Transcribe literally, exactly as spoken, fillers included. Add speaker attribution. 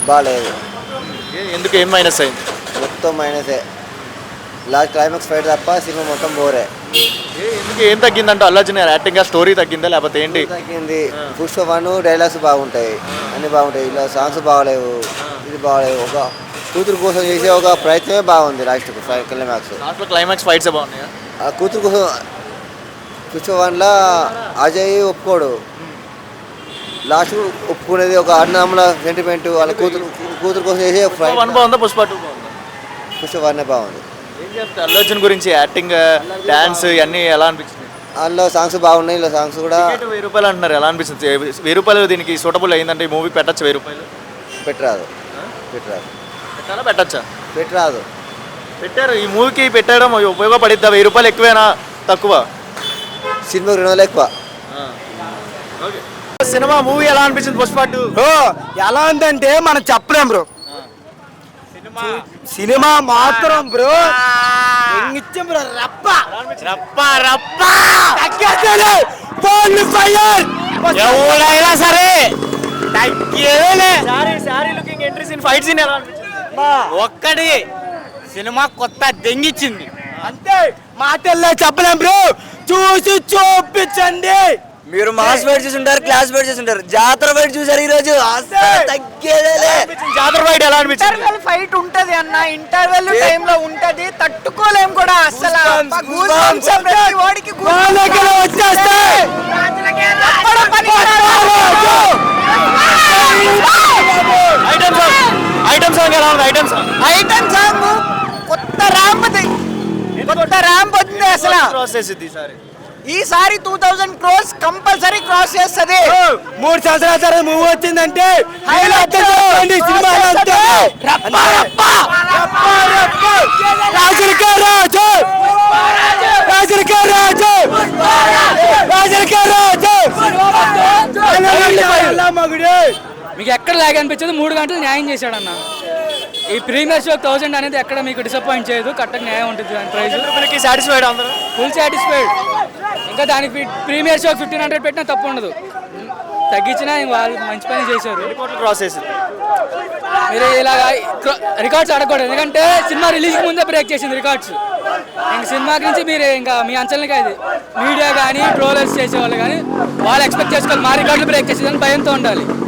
Speaker 1: బాగాలేదు.
Speaker 2: ఎందుకు ఏం మైనస్ అయింది?
Speaker 1: మొత్తం మైనసే. లాస్ట్ క్లైమాక్స్ ఫైట్ తప్ప సినిమా మొత్తం బోరే.
Speaker 2: ఎందుకు ఏం తగ్గిందంటే అల్లు అర్జున్ యాక్టింగ్ స్టోరీ తగ్గిందా లేకపోతే ఏంటి?
Speaker 1: తగ్గింది. పుష్ప వన్ డైలాగ్స్ బాగుంటాయి, అన్నీ బాగుంటాయి. ఇలా సాంగ్స్ బాగలేవు, ఇది బాగలేవు. ఒక కూతురు కోసం చేసే ఒక ప్రయత్నమే బాగుంది. లాస్ట్ క్లైమాక్స్
Speaker 2: లాస్ట్లో క్లైమాక్స్ ఫైట్స్ బాగున్నాయా?
Speaker 1: ఆ కూతురు కోసం పుష్ప వన్లో అజయ్ ఒప్పుకోడు, లాస్ట్ ఒప్పుకునేది ఒక అన్నమ్ముల సెంటిమెంట్. వాళ్ళ కూతురు కూతురు కోసం చేసే
Speaker 2: వన్ బాగుందా పుష్ప టూ బాగుందా?
Speaker 1: పుష్ప వన్నే బాగుంది.
Speaker 2: ఏం చెప్తా అల్లు అర్జున్ గురించి యాక్టింగ్ డాన్స్ ఇవన్నీ ఎలా అనిపించింది?
Speaker 1: అందులో సాంగ్స్ బాగున్నాయి, ఇలా సాంగ్స్ కూడా.
Speaker 2: వెయ్యి రూపాయలు అంటున్నారు, ఎలా అనిపిస్తుంది? వెయ్యి రూపాయలు దీనికి సూటబుల్ అయిందంటే ఈ మూవీ పెట్టచ్చు? వెయ్యి రూపాయలు
Speaker 1: పెట్టరాదు, పెట్టరాదు.
Speaker 2: పెట్టాలా పెట్టచ్చా?
Speaker 1: పెట్టరాదు.
Speaker 2: పెట్టారు. ఈ మూవీకి పెట్టడం ఉపయోగపడిద్దా? వెయ్యి రూపాయలు ఎక్కువేనా తక్కువ?
Speaker 1: సినిమా రెండు వందలు ఎక్కువ.
Speaker 2: సినిమా మూవీ ఎలా అనిపించింది పుష్ప టూ?
Speaker 3: ఎలా ఉందంటే మనం చెప్పలేం బ్రో. సినిమా మాత్రం బ్రో ఇచ్చాం బ్రో. రప్ప రప్ప రప్ప ఎవడైనా సరే
Speaker 2: ఫైట్ సీన్ ఎలా అనిపించింది?
Speaker 3: ఒక్కడి సినిమా కొత్త దెంగిచ్చింది అంతే. మాటల్లో చెప్పలేం బ్రో, చూసి చూపించండి.
Speaker 4: మీరు మాస్ ఫైట్ చూసి ఉంటారు, క్లాస్ ఫైట్ చూసి ఉంటారు, జాతర ఫైట్ చూసారు ఈ రోజు. తగ్గేదే
Speaker 2: జాతర ఫైట్ ఎలా అనిపించింది?
Speaker 5: ఇంటర్వెల్ ఫైట్ ఉంటది అన్న, ఇంటర్వెల్ టైం లో ఉంటది, తట్టుకోలేం కూడా అసలు.
Speaker 2: ఐటమ్ సాంగ్ ఎలా ఉంది? ఐటమ్ సాంగ్
Speaker 5: ఐటమ్ సాంగ్ కొత్త ర్యాంప్, కొత్త ర్యాంప్ వచ్చింది అసలు.
Speaker 2: క్రాస్ చేసింది ఈసారి.
Speaker 5: ఈసారి two thousand crores compulsory cross చేస్తుంది.
Speaker 3: మూడు సంవత్సరాల తర్వాత మూవీ వచ్చిందంటే
Speaker 6: మీకు ఎక్కడ లాగ్ అనిపించదు. మూడు గంటలు న్యాయం చేశాడు అన్న. ఈ ప్రీమియర్ షో థౌసండ్ అనేది ఎక్కడ మీకు డిసప్పాయింట్ చేయదు. కరెక్ట్గా న్యాయం ఉంటుంది. దాని ప్రైస్
Speaker 2: సాటిస్ఫైడ్ అందరూ,
Speaker 6: ఫుల్ సాటిస్ఫైడ్. ఇంకా దానికి ప్రీమియర్ షో ఫిఫ్టీన్ హండ్రెడ్ పెట్టినా తప్పు ఉండదు. తగ్గించినా వాళ్ళు మంచి పని చేశారు.
Speaker 2: క్రాస్ చేసింది.
Speaker 6: మీరు ఇలాగ రికార్డ్స్ అడగకూడదు, ఎందుకంటే సినిమా రిలీజ్కి ముందే బ్రేక్ చేసింది రికార్డ్స్. ఇంక సినిమా గురించి మీరు ఇంకా మీ అంచనాలకి అది మీడియా కానీ ట్రోలర్స్ చేసేవాళ్ళు కానీ వాళ్ళు ఎక్స్పెక్ట్ చేసుకోవాలి మా రికార్డులు బ్రేక్ చేసేదని భయంతో ఉండాలి.